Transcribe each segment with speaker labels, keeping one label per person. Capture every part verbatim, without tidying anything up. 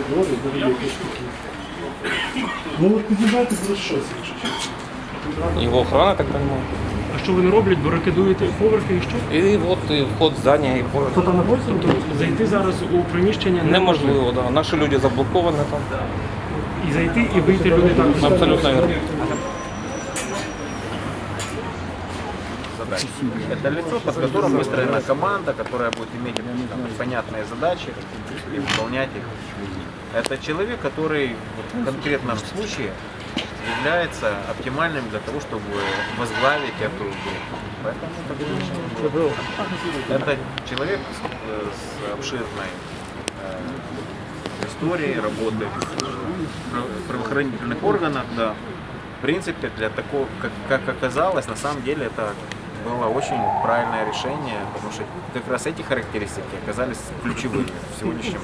Speaker 1: Роблять, дорогі штуки. Ну от не знаєте, за що це?
Speaker 2: Его охрана, так понимаю.
Speaker 1: А що вони роблять? Барикадуєте поверхи і що?
Speaker 2: І от і вход в здання, і поверх.
Speaker 1: Хто там знаходиться? Тобто зайти зараз у приміщення
Speaker 2: Неможливо, да. Наші люди заблоковані там.
Speaker 1: І зайти, і вийти люди так.
Speaker 2: Абсолютно верно.
Speaker 3: Это лицо, под которым выстроена команда, которая будет иметь там, понятные задачи и выполнять их. Это человек, который в конкретном случае является оптимальным для того, чтобы возглавить эту группу. Поэтому это человек с, с обширной э, историей работы в правоохранительных органах. Да. В принципе, для такого, как, как оказалось, на самом деле это было очень правильное решение, потому что как раз эти характеристики оказались ключевыми в сегодняшнем.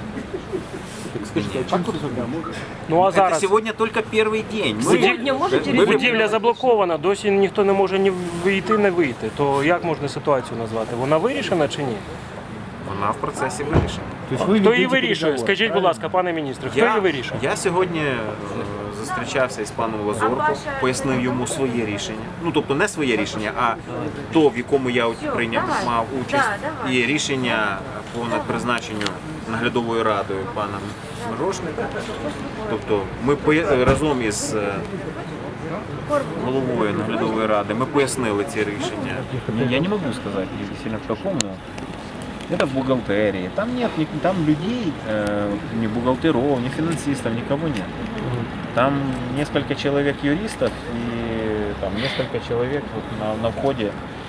Speaker 1: Ну а
Speaker 3: Это
Speaker 1: зараз
Speaker 3: сегодня только первый день.
Speaker 4: Сьогодні можете
Speaker 3: Вы-
Speaker 1: будівля заблокована, досі ніхто не може ні вийти, не вийти. То як можна ситуацію назвати? Вона вирішена чи ні?
Speaker 3: Вона в процесі вирішення.
Speaker 1: Хто її вирішує? Скажіть, будь ласка, пане міністре, хто її вирішує?
Speaker 3: я сьогодні е, зустрічався із паном Лазорко, пояснив йому своє рішення. Ну, тобто не своє рішення, а то, в якому я прийняв мав участь, і рішення по призначенню наглядовою радою пана Мирошника. Тобто ми поя- разом із е, головою наглядової ради ми пояснили ці рішення.
Speaker 5: Я не могу сказать сильно в каком, но это в бухгалтерии. Там нет ни- там людей, э, ни бухгалтеров, ни финансистов, никого нет. Там несколько человек юристов и там несколько человек вот на, на входе э,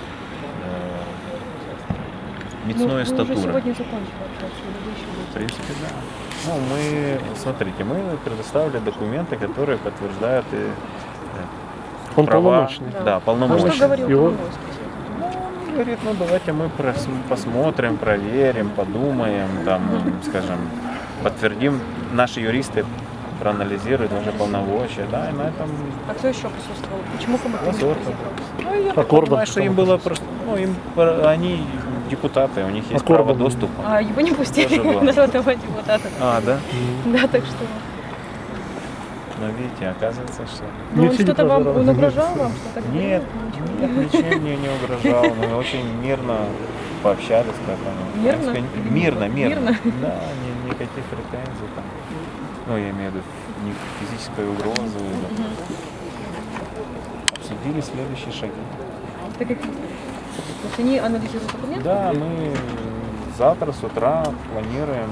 Speaker 5: мицной статуры.
Speaker 4: сегодня закончили общаться, или вы еще
Speaker 5: В
Speaker 4: будете?
Speaker 5: принципе, да. Ну, мы, смотрите, мы предоставили документы, которые подтверждают и, э,
Speaker 1: Он
Speaker 5: права.
Speaker 1: полномочный.
Speaker 5: Да,
Speaker 4: А
Speaker 5: полномочный.
Speaker 4: что говорил
Speaker 1: Его-
Speaker 4: Коломойский?
Speaker 5: Он говорит, ну давайте мы прос- посмотрим, проверим, подумаем, там, скажем, подтвердим. Наши юристы проанализируют наши полномочия, да, и на этом
Speaker 4: А кто еще присутствовал? Почему Коломойский не
Speaker 5: Лазорко.
Speaker 4: приехал?
Speaker 5: Ну, я так
Speaker 1: Аккордов
Speaker 5: понимаю, что им
Speaker 1: потом
Speaker 5: было просто, ну, им, пр- они депутаты, у них есть
Speaker 1: Аккордов.
Speaker 5: право доступа.
Speaker 4: А его не пустили,
Speaker 5: Тоже было.
Speaker 4: народного депутата.
Speaker 5: А, да?
Speaker 4: Да, так что...
Speaker 5: Ну, видите, оказывается, что...
Speaker 4: Ну, он
Speaker 1: Ничего не
Speaker 4: что-то вам,
Speaker 1: прозоров.
Speaker 4: он угрожал вам? Что-то говорил?
Speaker 5: Нет,
Speaker 4: Ничего.
Speaker 5: нет, ничем мне не угрожал. Мы очень мирно пообщались. Поэтому,
Speaker 4: Мирно?
Speaker 5: Мирно, мирно.
Speaker 4: Мирно?
Speaker 5: Да, ни- никаких претензий там. Ну, я имею в виду ни физической угрозы. да. Обсудили следующие шаги.
Speaker 4: Это какие? То есть они анализируют документы?
Speaker 5: Да, мы завтра с утра планируем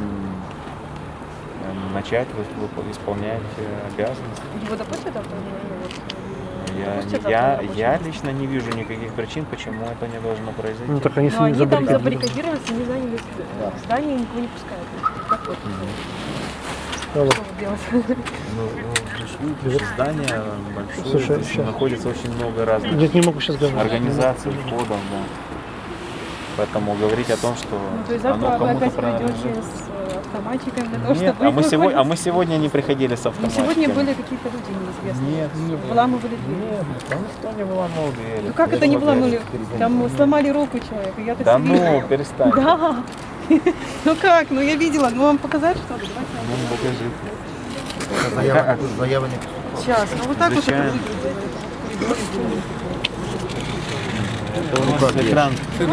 Speaker 5: э, начать вып- вып- исполнять э, обязанности.
Speaker 4: Его допустят завтра? Ну, вот,
Speaker 5: Я,
Speaker 4: допустят завтра
Speaker 5: я,
Speaker 4: на рабочее
Speaker 5: я
Speaker 4: место?
Speaker 5: лично не вижу никаких причин, почему это не должно произойти.
Speaker 1: Ну так они
Speaker 4: Но они там
Speaker 1: забаррикадированы.
Speaker 4: забаррикадировались, они заняли здание, никого не пускают. Как вот?
Speaker 1: Алло.
Speaker 4: Что вот делать?
Speaker 5: Ну, ну, же здание большое,
Speaker 1: Слушай,
Speaker 5: здесь
Speaker 1: щас.
Speaker 5: находится очень много разных
Speaker 1: Нет, не могу сейчас говорить.
Speaker 5: организаций, входов, да. Поэтому говорить о том, что
Speaker 4: Ну, то есть
Speaker 5: оно
Speaker 4: завтра вы
Speaker 5: кому-то
Speaker 4: опять придете
Speaker 5: принадлежит.
Speaker 4: с э, автоматиками для того,
Speaker 5: Нет,
Speaker 4: чтобы
Speaker 5: а мы,
Speaker 4: их
Speaker 5: сегодня, а
Speaker 4: выходить?
Speaker 5: мы сегодня не приходили с
Speaker 4: Ну,
Speaker 5: автоматиками.
Speaker 4: сегодня были какие-то люди неизвестные.
Speaker 5: Нет, нет.
Speaker 4: Выламывали дверь.
Speaker 5: Нет, там никто не выломал двери.
Speaker 4: Ну как это не выламывали? Там сломали руку человека, я так
Speaker 5: Да
Speaker 4: все видела.
Speaker 5: ну, перестань.
Speaker 4: Да. Ну как? Ну я видела. Ну вам показать что ли? Давайте.
Speaker 5: Ну, покажи.
Speaker 6: Заява, заява не
Speaker 4: Сейчас. Ну вот так вот это
Speaker 5: Изучаем.
Speaker 4: выглядит.
Speaker 5: Это у нас экран.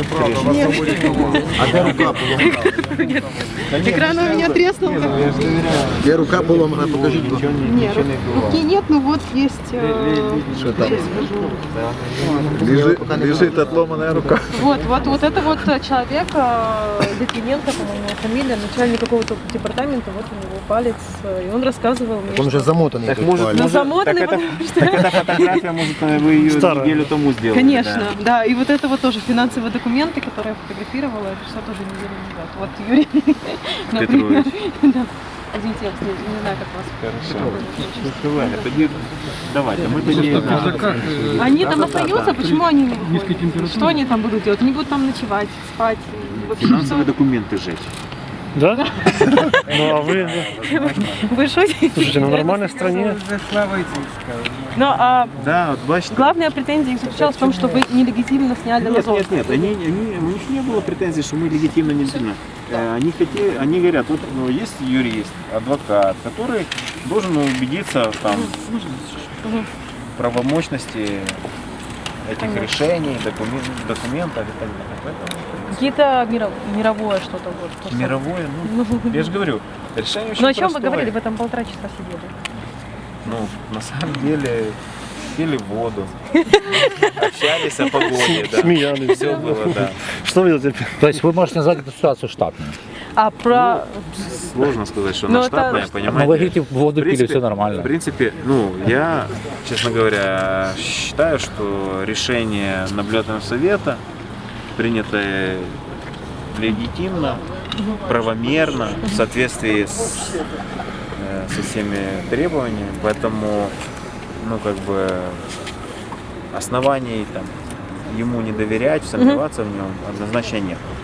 Speaker 6: А де рука поломана?
Speaker 4: Экран у меня треснул.
Speaker 6: Де рука поломана, покажіть. будь ласка.
Speaker 4: Нет, руки нет, но вот есть. э,
Speaker 6: Що там?
Speaker 4: сейчас скажу.
Speaker 6: Лежить, лежить отломана рука.
Speaker 4: Вот, вот, вот это вот э, человек, э, Литвиненко, по-моему, фамилия, начальник какого-то департамента, вот у него палец, э, и он рассказывал мне,
Speaker 6: Он
Speaker 4: что-
Speaker 6: вже замотаний.
Speaker 5: Так
Speaker 6: тут
Speaker 5: может,
Speaker 6: палець.
Speaker 4: Ну,
Speaker 5: может,
Speaker 4: замотанный,
Speaker 5: так, это,
Speaker 4: потому что...
Speaker 5: так эта фотография, может, вы ее
Speaker 1: Старая.
Speaker 5: неделю тому сделали.
Speaker 4: Конечно,
Speaker 5: да.
Speaker 4: да. И вот это вот тоже финансовые документы, которые я фотографировала, это все тоже неделю назад. Вот Юрий, например. Да. Извините, я встретила, не знаю, как вас.
Speaker 5: Хорошо. Открывали. Тоді давайте, мы тоді...
Speaker 4: Они там остаются, почему они не выходят? Что они там будут делать? Они будут там ночевать, спать. и вообще
Speaker 5: Финансовые
Speaker 4: всё.
Speaker 5: документы сжечь.
Speaker 1: Да? Ну а вы,
Speaker 4: Вы шутите?
Speaker 1: слушайте, на нормальной стране.
Speaker 4: Ну, а
Speaker 5: Да, вот бачите.
Speaker 4: главная претензия их заключалась в том, что вы нелегитимно сняли
Speaker 5: Нет,
Speaker 4: Лазовского.
Speaker 5: нет, нет, они, они, у них не было претензий, что мы легитимно не сильно. э, они хотели, они говорят, вот ну, есть юрист, адвокат, который должен убедиться там в правомощности этих решений, докумен- документов и так далее. Поэтому
Speaker 4: Какие-то миро- мировое что-то вот. то, что-
Speaker 5: мировое, ну, я же говорю, решение очень
Speaker 4: Ну о чем вы
Speaker 5: простое.
Speaker 4: говорили? Вы там полтора часа сидели.
Speaker 5: Ну, на самом деле, пили воду, общались о погоде, да.
Speaker 1: Смеялись.
Speaker 5: Все было, да.
Speaker 1: Что вы теперь?
Speaker 7: То есть вы можете назвать эту ситуацию штатной.
Speaker 4: А про...
Speaker 5: Сложно сказать, что
Speaker 4: Ну,
Speaker 5: она
Speaker 4: это-
Speaker 5: штатная,
Speaker 7: Но вы
Speaker 5: понимаете?
Speaker 7: говорите, воду
Speaker 5: В
Speaker 7: пили,
Speaker 5: принципе-
Speaker 7: все
Speaker 5: В
Speaker 7: нормально.
Speaker 5: принципе, ну, я, честно говоря, считаю, что решение наблюдательного совета, принятое легитимно, правомерно, в соответствии с, э, со всеми требованиями, поэтому, ну, как бы, оснований там ему не доверять, сомневаться в нем однозначно нет.